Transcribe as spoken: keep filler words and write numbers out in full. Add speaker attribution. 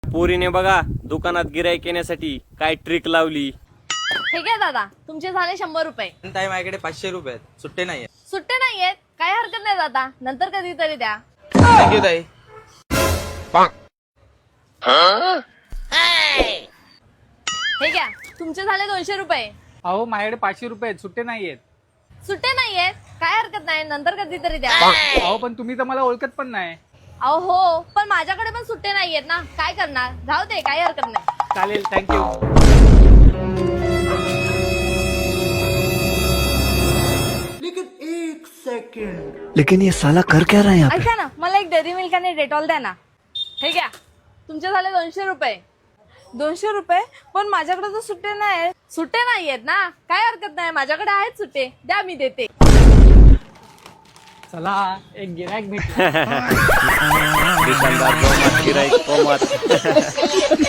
Speaker 1: पोरीने बघा दुकानात गिराईक येण्यासाठी काय ट्रिक लावली.
Speaker 2: हे काय दादा, तुमचे झाले शंभर रुपये.
Speaker 3: ताई माझ्याकडे पाचशे रुपये आहेत, सुट्टे नाही आहेत.
Speaker 2: सुट्टे नाहीयेत, काय हरकत नाही दादा, नंतर कधीतरी द्या.
Speaker 3: थँक्यू ताई.
Speaker 2: हे घ्या, तुमचे झाले दोनशे रुपये.
Speaker 4: अहो माझ्याकडे पाचशे रुपये आहेत, सुट्टे नाही आहेत.
Speaker 2: सुट्टे नाहीयेत, काय हरकत नाही, नंतर कधीतरी द्या.
Speaker 4: अहो पण तुम्ही तर मला ओळखत पण नाही.
Speaker 2: अहो हो, पण माझ्याकडे पण सुट्टे नाहीयेत ना, काय करणार, जाऊ दे, काही हरकत नाही.
Speaker 4: चालेल, थँक्यू.
Speaker 5: लेकिन ये साला कर क्या रहा है यहाँ पे?
Speaker 2: ऐका ना, मला एक डेअरी मिल्क आणि डेटॉल द्या ना. हे घ्या, तुमचे झाले दोनशे रुपये. दोनशे रुपये, पण माझ्याकडे तर सुट्टे नाही. सुट्टे नाहीयेत ना, काय हरकत नाही, माझ्याकडे आहेत सुट्टे, द्या, मी देते.
Speaker 4: चला एक गिरायक भेटलं.
Speaker 1: दुकानदार गिराईक कोमात.